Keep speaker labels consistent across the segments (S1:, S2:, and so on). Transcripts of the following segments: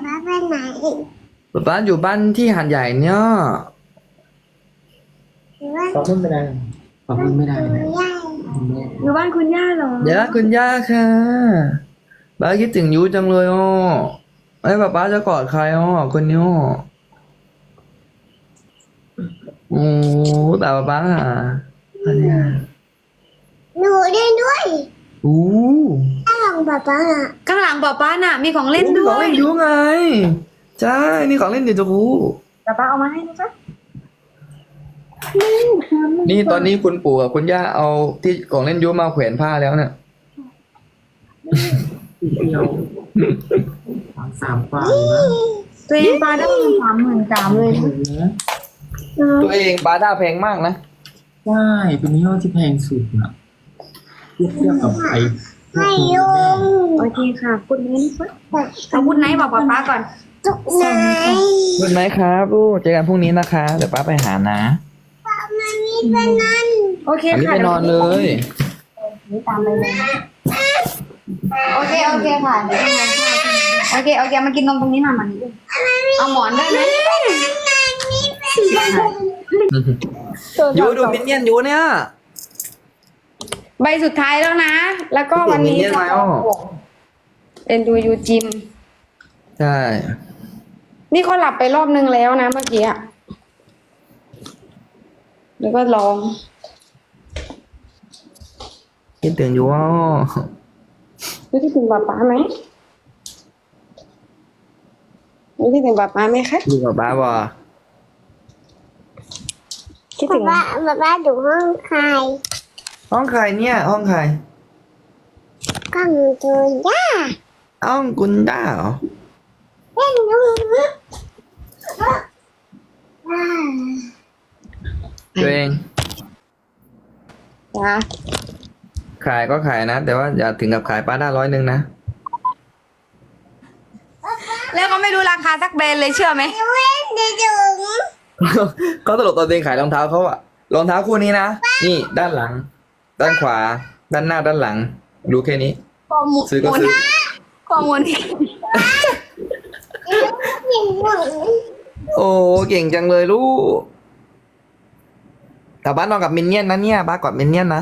S1: ป๊าไปไหน
S2: ป๊าป๊าอยู่บ้านที่หาดใหญ่เนี่ย
S1: หรือว่า
S3: ขอพูดไม่ได้ขอพูดไม่ได้นะ
S1: ย่า
S4: อยู่บ้านคุณย่าเหรอ
S2: เดี๋ยวคุณย่าค่ะป๊าคิดถึงยูจังเลยอ๋อไอ้ป๊าป๊าจะกอดใครอ๋อคนนี้อ๋อโอ้แต่ป๊าป๊าอ่ะอันเนี้ย
S1: หนูเล่นด้วย
S2: อู้
S1: ถ้าลองป๊าป๊าอ่ะ
S4: ข้างหลังป๊าน่ะ มีของเล่น
S2: นี่
S4: ด้
S2: ข
S4: ว
S2: อง
S4: ย
S2: เล่นยูไงใช่นี่ของเล่นเดี๋ยวจะรู้
S4: ป๊าเอามาให้นะจ๊ะ
S2: นี่ตอนนี้คุณปู่กับคุณย่าเอาที่ของเล่นยูมาแขวนผ้าแล้วเนี่ย
S3: เดียว3 กว่านะ
S4: ตัวเองปลาได้33,000เลยนะ
S2: ตัวเองปลาด้าแพงมากนะ
S3: ใช่เป็นยี่ห้อที่แพงสุดนะเทียบกับไอ้
S1: ให้ยุง
S4: โอเคค่ะพูดไหนนะคะเอาพูดไหนบอกป๊าก่อน
S1: จุกไหน
S2: คุณไหมครับลูกเจอกันพรุ่งนี้นะคะเดี๋ยวป้าไปหานะ
S1: มันมีเป็นนั่น
S4: โอเค
S2: อันนี้
S4: ค่ะ
S2: ไปนอนเลย
S4: นี่ตามไปเลยนะโอเคค่ะเดี๋ยวทำงานข้าวโอเคมากินนมตรงนี้หน่อยมันเอาหมอนได้ไหม
S2: ยูดูมินเนี่ยนยูเนี่ย
S4: ใบสุดท้ายแล้วนะ แล้วก็วันนี้
S2: เห็นไหมอ้อ
S4: เอ็นดูยูจิม
S2: ใช่
S4: นี่เขาหลับไปรอบนึงแล้วนะเมื่อกี้อะแล้วก็ร้อง
S2: คิดถึงยูอ๋อ
S4: ไม่คิดถึงป๊าไหมไม่คิดถึงป๊าไหมคะ
S2: ดูกับป้าบ่
S4: คิด
S1: ป๊า
S4: ถึง
S1: ป๊าดูห้องใคร
S2: ห้องใครเนี่ยห้องใคร
S1: กล้องตัวย่า
S2: ห้องคุณด้าเหรอ
S1: เล่นดู
S2: ตัวเอง
S4: จ้า
S2: ขายก็ขายนะแต่ว่าอย่าถึงกับขายป้าด้า100นะ
S4: แล้วก็ไม่รู้ราคาสักแบรนด์เลยเชื่อไหม
S1: เล่นดูจุง
S2: เขาตลกตอนตัวเองขายรองเท้าเขาอะรองเท้าคู่นี้นะนี่ด้านหลัง ด้านขวา ด้านหน้าด้านหลังรู้แค่นี้
S4: ข้อมูล
S2: ซื้อก็ซื้อ
S4: ข้อมูล
S2: โอ้เก่งจังเลยลูกแต่บ้านนอนกับมินเนี่ยนนะเนี่ยบ้านกอดมินเนี่ยนนะ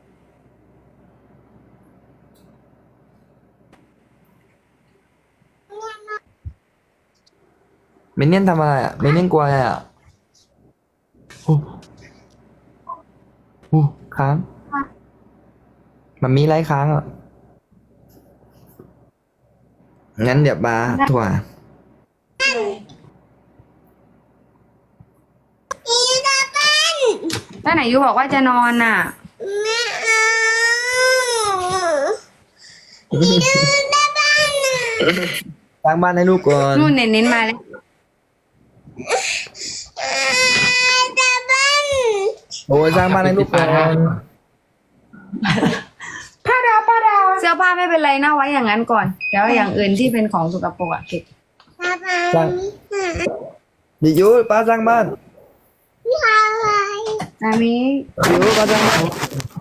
S2: มินเนี่ยนทำอะไรอ่ะมินเนี่ยนกลัวอะไรอ่ะโอ้โหค้างมันมีไรค้างอ่ะงั้นเดี๋ยวบาถั่ว
S4: แล้วไหนยูบอกว่าจะนอนน่ะ
S1: ไม่เอาอีดูตาบ้านน่ะ
S2: สร้างบ้านให้ลูกก่อน
S4: นู่นเน้นมาแล้ว
S1: ตาบ้าน
S2: โอ้ยสร้างบ้านให้ลูกก่อน
S4: ผ้าดาวเสื้อผ้าไม่เป็นไรนะไว้อย่างนั้นก่อนเดี๋ยวอย่างอื่นที่เป็นของสกปรกอะเก็บ
S1: ตาบ้านนี่ค่ะ
S2: ดิยูป้าสร้างบ้าน
S1: อะไร
S4: อันนี้
S2: ดิยูป้าสร้างบ้าน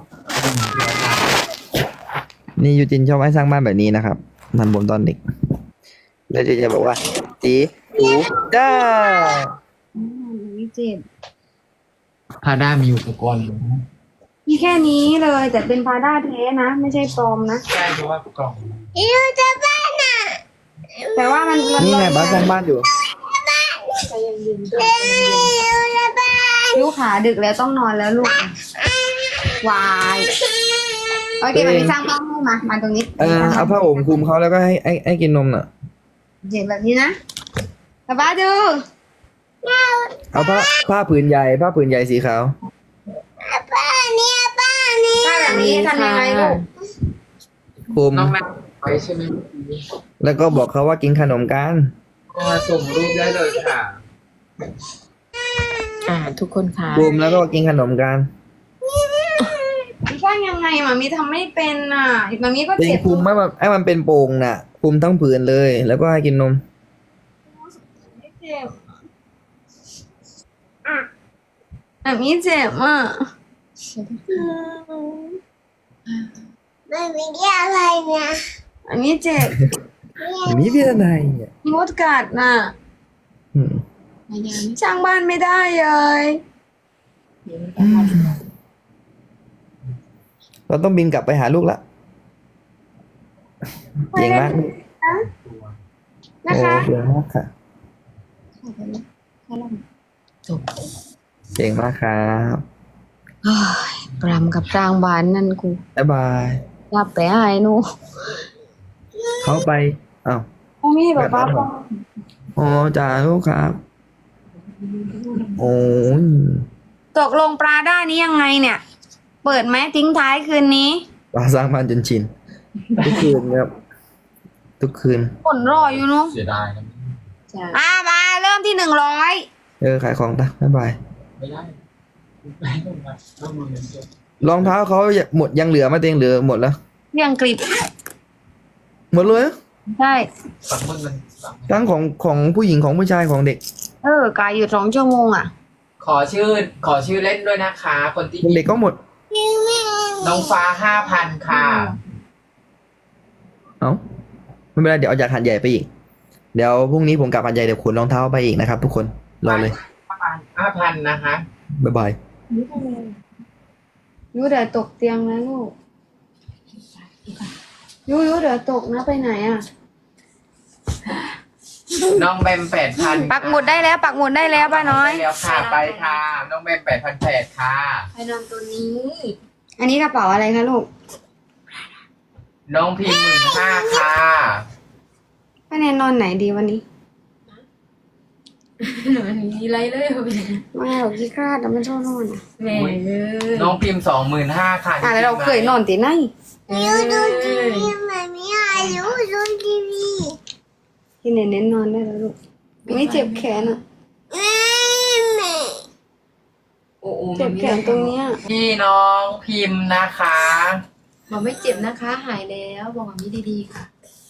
S2: นี่ยูจินชอบให้สร้างบ้านแบบนี้นะครับมันผมตอนเด็ก แล้วจะบอกว่าจีหูจ้า
S4: ไม่เจ็บ
S3: พาด้ามีอุปกรณ์อยู่นะ
S4: มีแค่นี้เลยแต่เป็นพาด้าแท้นะ ไม่ใช่ปลอมนะ
S3: ใช่เพราะว่ากล่อง
S1: อีดูตาบ้านน่ะ
S4: แต่ว่ามัน
S2: นี่ไงป้าสร้างบ้านอยู่
S4: ใจเย็นๆด้วย
S1: อีดูตาบ้าน
S4: ลูกขาดึกแล้วต้องนอนแล้วลูกวายโอเคมันมีสร้างบ้านให้มาตรงนี้
S2: เอาผ้าห่มคลุมเขาแล้วก็ให้กินนมน่ะ
S4: เห็นแบบนี้นะป้าดู
S2: เอาผ้าผืนใหญ่สีขาว
S1: ป้าเนี่ยป้าเนี่ย
S4: ถ้าแบบนี้ทำยังไงลูก
S2: คลุม
S3: น้องแม่ไว้ใช่ไหม
S2: แล้วก็บอกเขาว่ากินขนมกัน
S3: ก็ส่งรูปได้เลยค่ะ
S5: ทุกคนค่ะ
S2: คลุมแล้วก็กินขนมกัน
S4: สร้างยังไงมามีทำไม่เป็นอ่ะมามีก็
S2: เป็น
S4: เจ็บ
S2: คลุมให้มันเป็นโป่งน่ะคลุมทั้งผืนเลย แล้วก็ให้กินนม
S4: เจ็บแบบนี้เจ็บอ่ะ
S1: ไม่มีอะไรเนี่ย
S4: อันนี้เจ็บ
S2: มีพี่ทนายเนี่ย
S4: มดกัดน่ะ
S2: อืม
S4: ช่างบ้านไม่ได้เลย
S2: เราต้องบินกลับไปหาลูกละเก่งมากลูก
S4: นะ
S2: โอ้
S4: คะ
S2: เก่งมากค่ะ
S4: จบ
S2: เก่งมากครับ
S4: ปรำกับสร้างบ้านนั่นกู
S2: บ๊ายบาย
S4: รับไปให้หนู
S2: เขาไปอ้าว
S4: ไม่ให้ป๊าป๊า
S2: อ๋อจ้าลูกครับ โอ้ย
S4: ตกลงปลาได้นี้ยังไงเนี่ย เปิดไหมทิ้งท้ายคืนนี้
S2: ปลาสร้างบ้านจนชิน ทุกคืนครับ ทุกคืน
S4: ผลรออยู่เนาะ
S3: เสียดายนะ
S4: มาเริ่มที่100
S2: ขายของตาบ๊ายบาย
S3: ไม่ได้ไม่ต้องมาต้องมือเงินเก็บ
S2: รองเท้าเขาหมดยังเหลือไหมาเต็งเหลือหมดแล้ว
S4: เรียงกริบ
S2: หมดเลยเหรอ
S4: ใช่
S3: สั่งมือเงินสั่ง
S2: ทั้งของผู้หญิงของผู้ชายของเด็ก
S4: กายอยู่2 ชั่วโมงอ่ะ
S3: ขอชื่อเล่นด้วยนะคะ คนที่
S2: เด็กก็หมด
S3: น้องฟ้า5,000ค่ะ
S2: เอ้าไม่เป็นไรเดี๋ยวเอาจากหันใหญ่ไปอีก เดี๋ยวพรุ่งนี้ผมกลับหันใหญ่เดี๋ยวขนรองเท้าไปอีกนะครับ ทุกคนรอเลย
S3: 5,000นะคะ
S2: บ๊ายบาย
S4: ยูเดี๋ยวตกเตียงนะลูกยูเดี๋ยวตกนะไปไหนอ่ะ
S3: น้องแบม8,000
S4: ปักหมุดได้แล้วปักหมุดได้แล้วป้าน้อย
S3: ได้แล้วค่ะไปค่ะ น้องแบม8,800ค่ะ
S4: ไปนอนตัวนี้ อันนี้กระเป๋าอะไรคะลูก
S3: น้องพิมพ์15,000ค่ะ
S4: ป้าแนนนอนไหนดีวันนี้
S5: มีอะไรเลย
S4: ไม่หรอกขี้คลาดแต่มันชอบนอนอ่ะ
S5: แหม่เอ้ย
S3: น้องพิมพ์25,000ค่ะ
S4: แล้วเราเคยนอนตีไหน
S1: ยูดูทีวีมันไม่อายุดูทีวี
S4: ที่เน้นนอนได้แล้วลูกไม่เจ็บแขนอ่ะ
S1: แม่
S5: โอ้โห
S4: เจ็บแขนตรงเนี้ย
S3: พี่น้องพิมพ์นะคะ
S5: บอกไม่เจ็บนะคะ หายแล้วบอกแบบนี้ดีๆค่ะ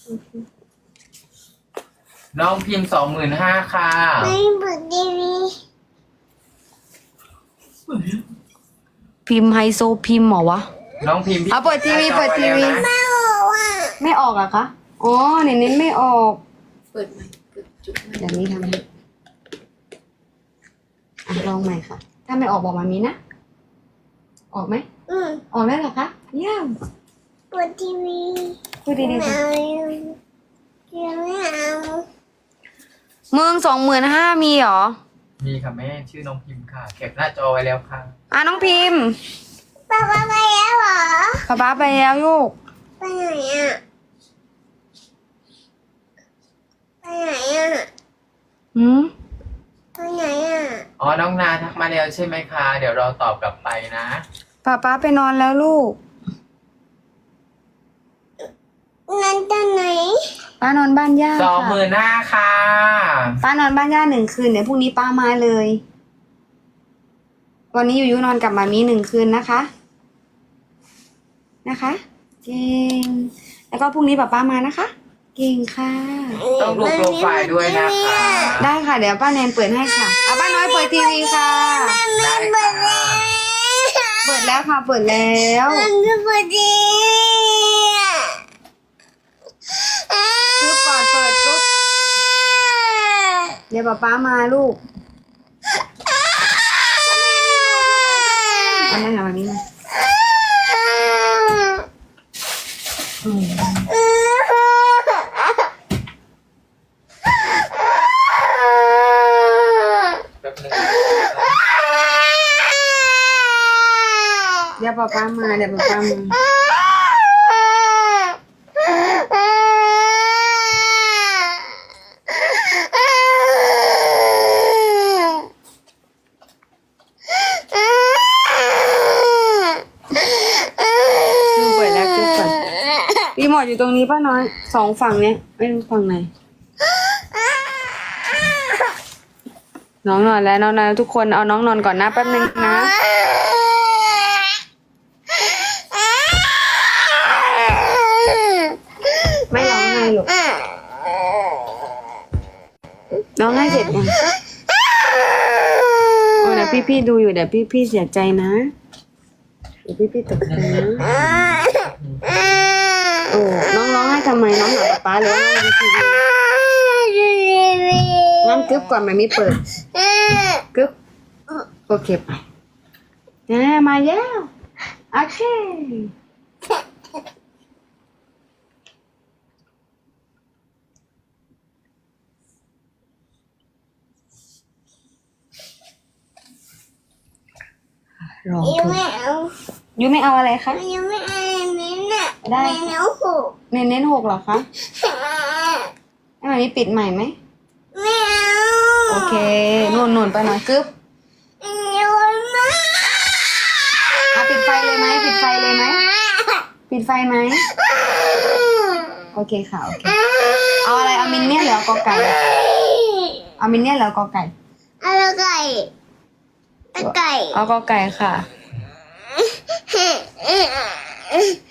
S3: น้องพิมพ์25,000ค่ะ
S1: ไม่เปิดทีวี
S4: พิมพ์ไฮโซพิมพ์เหรอวะ
S3: น้องพิมพ์
S4: เอาเปิดทีวีเปิดทีวี
S1: แม่บอกว่า
S4: ไม่ออกอะคะอ๋อเน้นไม่ออก
S5: เปิดใหม่เปิดจุดใหม่
S4: เดี๋ยวนี้ทำให้ลองใหม่ค่ะ ถ้าไม่ออกบอกมามีนะ ออกไหม ออกแล้วเหรอคะเยี่ยม
S1: เปิดทีวี
S4: พูดดี
S1: ไม่
S4: ๆสิ
S1: เอายังไม่เอา
S4: มึง25,000มีเหรอ
S3: มีค่ะแม่ชื่อน้องพิมพ์ค่ะเก็บหน้าจอไว้แล้วค่ะ
S4: น้องพิมพ์
S1: ป้าไปแล้วเหรอ
S4: ป๊าไปแล้วลูก
S1: ไปไหนอ่ะไปไหนอ่ะ
S4: หืม
S1: ไปไหนอ่ะ
S3: อ๋อน้องนาทักมาแล้วใช่ไหมคะ เดี๋ยวเราตอบกลับไปนะ
S4: ป๊าไปนอนแล้วลูก
S1: นั่นตอนไหน
S4: ป้านอนบ้านย่าค่ะ
S3: 25,000ค่ะ
S4: ป้านอนบ้านย่า1 คืนเดี๋ยวพรุ่งนี้ป้ามาเลย วันนี้ยูนอนกับมามี1 คืนนะคะ นะคะ เก่ง แล้วก็พรุ่งนี้ป้ามานะคะ เก่งค่ะ
S3: ต้องดูโปรไฟล์ด้วยนะคะ
S4: ได้ค่ะ เดี๋ยวป้าแนนเปิดให้ค่ะป้าน้อยเปิดทีวีค่ะ
S3: ได้ค่ะ
S4: เปิดแล้วค่ะ เปิดแล้ว
S1: มันก็พอดี
S4: กรุ๊ปก่อนเปิดกรุ๊ปเดี๋ยวป้ามาลูกอันนั้นค่ะมามีมาเดี๋ยวป้ามาเดี๋ยวป้ามาเปิดแล้วกรุ๊ปก่อนรีโมทอยู่ตรงนี้ป้าน้อย2 ฝั่งเนี้ยไม่รู้ฝั่งไหนน้องนอนแล้วน้องนอนแล้วทุกคนเอาน้องนอนก่อนนะแป๊บนึงนะไม่ร้องไห้หรอกร้องไห้เสร็จยังโอ้เดี๋ยวพี่ดูอยู่เดี๋ยวพี่เสียใจนะเดี๋ยวพี่ตกใจนะโอ้น้องร้องไห้ททำไมน้องหาป๊าหรือว่าน้องดูทีวีงั้นกึ๊บก่อนมันมีเปิดกึ๊บโอเคไปมาแล้วโอเครอ
S1: ยังไม่เอา
S4: ยูไม่เอาอะไรคะ
S1: ยังไม่เอานี้น่ะ
S4: ได้
S1: เนื้อหู
S4: เน้น6เหรอคะให้มันมีปิดใหม่ไหม
S1: ไม่เอา
S4: โอเคนุ่นไปหน่อยกึ๊บ
S1: ยังไม่
S4: ปิดไฟเลยไหมปิดไฟเลยไหมปิดไฟไหมโอเคค่ะโอเคเอาอะไรเอามินเนี่ยนหรือเอากอไก่เอามินเนี่ยนหรือเอากอไก่
S1: เอาไก่ตะไก่
S4: เอากอไก่ค่ะ